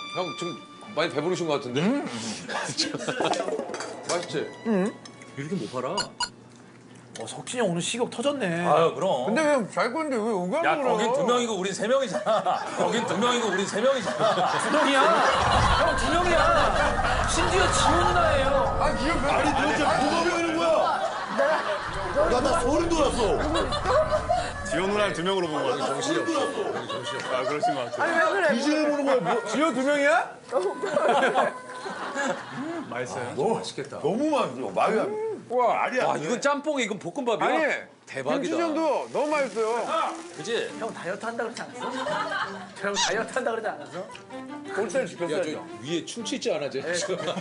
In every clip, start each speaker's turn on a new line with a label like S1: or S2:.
S1: 형 지금 많이 배부르신 것 같은데? 맛있지?
S2: 이렇게 못 팔아.
S3: 석진이 형 오늘 식욕 터졌네.
S2: 아유 그럼.
S1: 근데 왜 잘 건데 왜 의견
S2: 야
S1: 물어?
S2: 거긴 2명이고 우린 3명이잖아. 거긴 2명이고 우린 3명이잖아.
S3: 두 명이야. 형 두 명이야. 심지어 지호 누나예요.
S1: 아 기억
S4: 아니 도대체 뭐가 배우는 거야? 나 소름 돋았어.
S5: 지호 누나를 2명으로 본 거야. 정신이 없어. 아, 그러신 것 같아요.
S6: 아니 왜 그래?
S4: 이제 보는 거야. 뭐,
S1: 지호 2명이야?
S5: 맛있어요?
S1: 너무 맛있겠다.
S4: 너무 맛있어. 말이 안 돼.
S1: 와,
S4: 말이 안
S2: 와
S4: 돼.
S2: 이건 짬뽕이 이건 볶음밥이야.
S1: 아니
S2: 대박이다.
S1: 김치전도 너무 맛있어요.
S2: 그지?
S3: 형 다이어트 한다 그러지 않았어? 형 다이어트 한다 그러지 않았어?
S1: 꼴대를
S2: 야,
S1: 지켰어야죠.
S2: 저 위에 충치 있지 않아, 쟤?
S1: 아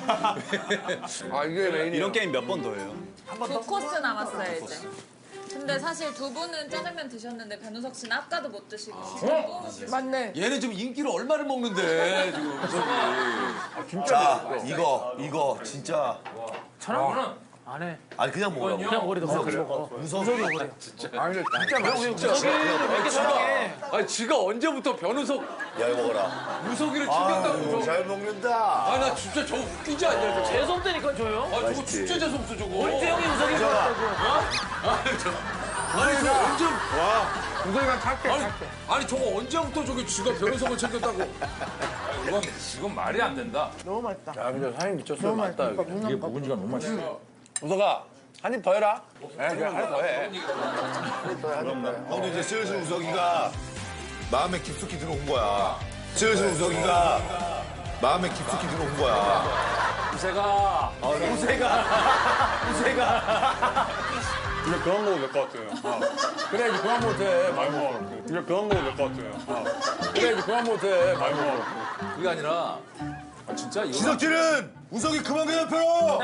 S1: 이게 메인이에요.
S5: 이런 게임 몇 번 더 해요?
S6: 두 코스 남았어요 이제. 근데 사실 두 분은 짜장면 드셨는데 변우석 씨는 아까도 못 드시고. 맞네.
S2: 얘는 지금 인기를 얼마를 먹는데 지금 우석이.
S4: 자, 이거 진짜.
S3: 저랑 안 해.
S4: 아니 그냥 먹으라고.
S3: 그냥 오래도 먹어.
S4: 무서워.
S1: 아 근데 진짜 맛있죠.
S3: 석진이를 왜 이렇게 사랑해?
S1: 아니 지가 언제부터 변우석
S4: 야 이거 먹어라.
S1: 우석이를 챙겼다고
S4: 잘 먹는다.
S1: 아나 진짜 저거 웃기지 않냐 저거.
S3: 재수 없다니까 줘요.
S1: 아 저거 진짜 재수없어 저거.
S3: 언제 형이 우석이 좋았다고?
S1: 아니 저거 언제 우석이가 탈게 아니 저거 언제부터 저기 지가 변우석을 챙겼다고.
S2: 이건 말이 안 된다.
S6: 너무 맛있다.
S1: 야 근데 사장님 미쳤어요. 맞다 여기.
S2: 이게 묵은지가 너무 맛있어.
S1: 우석아 한 입 더 해라. 그래 한 입 더 해.
S4: 형도 이제 슬슬 우석이가 마음에 깊숙이 들어온 거야. 슬슬 우석이가 마음에 깊숙이 들어온 거야.
S2: 우세가.
S5: 이제 그만 먹어도 될 것 같아요.
S1: 그래 이제 그만 못해.
S5: 많이 먹어. 이제 그만 먹어도 될 것 같아요.
S1: 그래 이제 그만 못해.
S5: 많이 먹어.
S2: 그게 아니라 진짜 이거
S4: 지석진은 우석이 그만 괴롭혀라.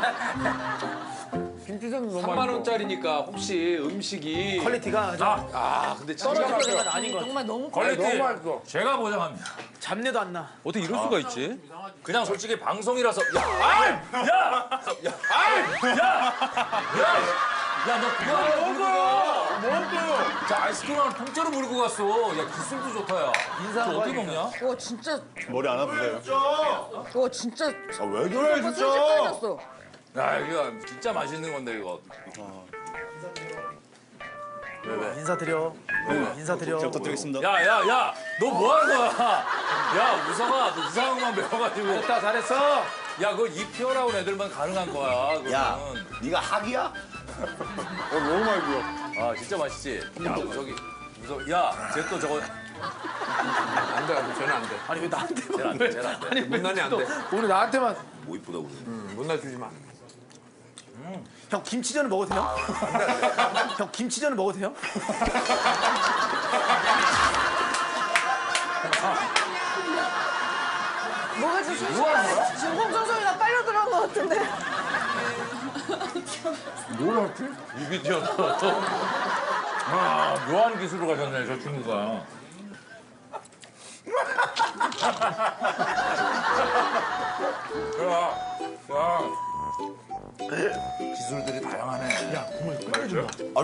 S1: 김치전 너무
S2: 3만 원짜리니까 혹시 음식이
S3: 퀄리티가
S2: 근데 진짜
S3: 떨어질 때가 아닌 것 같아.
S6: 정말 너무
S2: 퀄리티
S1: 너무 맛있어.
S2: 제가 보장합니다.
S3: 잡내도 안 나.
S2: 어떻게 이럴 수가 있지? 그냥 솔직히 방송이라서 야너 그거 먹어. 자 아이스크림 하나 통째로 물고 갔어. 야 기술도 좋다 야. 인사 어떻게 먹냐?
S6: 와 진짜
S5: 머리 안 아프세요?
S6: 와 진짜
S4: 왜 그래 진짜?
S6: 순식간이었어.
S2: 야 이거 진짜 맛있는 건데 이거.
S3: 인사드려. 인사드려.
S5: 잘 부탁드리겠습니다.
S2: 야야야 너 뭐 하는 거야? 야 우성아 너 이상한 것만 배워가지고.
S3: 잘했다 잘했어.
S2: 야 그거 입혀라고 애들만 가능한 거야. 그거는.
S4: 야, 네가 학이야?
S5: 너무 많이 부어.
S2: 아 진짜 맛있지? 야 우석이 야쟤 또 저거
S1: 안 돼, 쟤는 안 돼.
S3: 아니 왜 나한테
S2: 쟤는 안 돼, 쟤는 안 돼.
S3: 아니
S1: 못난이 안 돼.
S3: 오늘 나한테만.
S4: 뭐 이쁘다고 그래.
S1: 못나 주지 마.
S3: 형 김치전을 먹어도 돼요? 형 김치전을 먹어도 돼요?
S6: 뭐가 좀 순식간에 지금 홍정성이가 빨려 들어간 것 같은데.
S2: 이비디언. 아 묘한 기술로 가셨네 저 친구가.